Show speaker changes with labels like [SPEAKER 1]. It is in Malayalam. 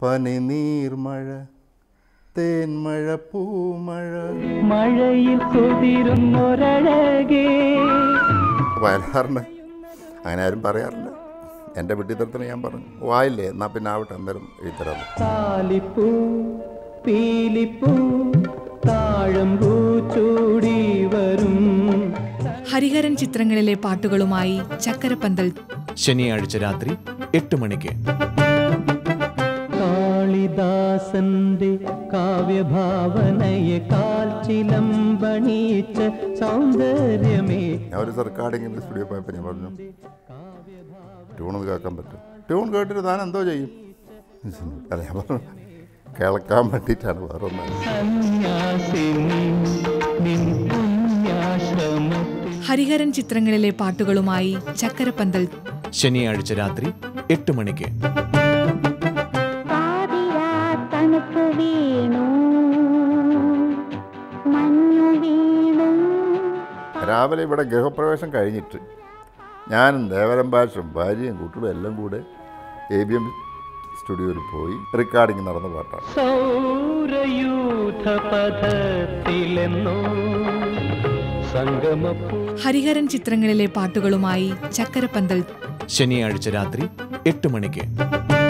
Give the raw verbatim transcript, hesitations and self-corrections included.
[SPEAKER 1] പനിനീർമഴ തേന്മഴ പൂമഴ
[SPEAKER 2] മഴയിൽ കുതിരുന്നൊരഴകേ.
[SPEAKER 1] വയലാറിന് അങ്ങനെ ആരും പറയാറില്ല. എൻ്റെ വിട്ടിത്തരത്തിന് ഞാൻ പറഞ്ഞു വായില്ലേ എന്നാൽ പിന്നെ ആവട്ടെ എന്തായാലും എഴുതരാം.
[SPEAKER 2] താലിപ്പൂ പീലിപ്പൂ താഴമ്പൂ ചൂടി വരും.
[SPEAKER 3] ഹരിഹരൻ ചിത്രങ്ങളിലെ പാട്ടുകളുമായി ചക്കരപ്പന്തൽ
[SPEAKER 4] ശനിയാഴ്ച രാത്രി എട്ട് മണിക്ക്.
[SPEAKER 2] കാളിദാസന്റെ കാവ്യഭാവനയെ കാൽച്ചിലമ്പണീച്ച സൗന്ദര്യമേ.
[SPEAKER 1] ഞാൻ ഒരു റെക്കോർഡിങ്ങിൻ്റെ സ്റ്റുഡിയോ പോയപ്പോൾ ഞാൻ പറഞ്ഞു ട്യൂണൊന്ന് കേൾക്കാൻ പറ്റും. ട്യൂൺ കേട്ടിട്ട് താൻ എന്തോ ചെയ്യും? അല്ല ഞാൻ പറഞ്ഞു കേൾക്കാൻ വേണ്ടിയിട്ടാണ്, വേറെ ഒന്നും.
[SPEAKER 3] ഹരിഹരൻ ചിത്രങ്ങളിലെ പാട്ടുകളുമായി ചക്കരപ്പന്തൽ
[SPEAKER 4] ശനിയാഴ്ച രാത്രി എട്ട് മണിക്ക്.
[SPEAKER 1] രാവിലെ ഇവിടെ ഗൃഹപ്രവേശം കഴിഞ്ഞിട്ട് ഞാനും ദേവരം ഭാഷയും ഭാര്യയും കുട്ടികളും എല്ലാം കൂടെ എ ബി എം സ്റ്റുഡിയോയിൽ പോയി റെക്കോർഡിങ് നടന്ന പാട്ടാണ്.
[SPEAKER 3] ഹരിഹരൻ ചിത്രങ്ങളിലെ പാട്ടുകളുമായി ചക്കരപ്പന്തൽ
[SPEAKER 4] ശനിയാഴ്ച രാത്രി എട്ട് മണിക്ക്.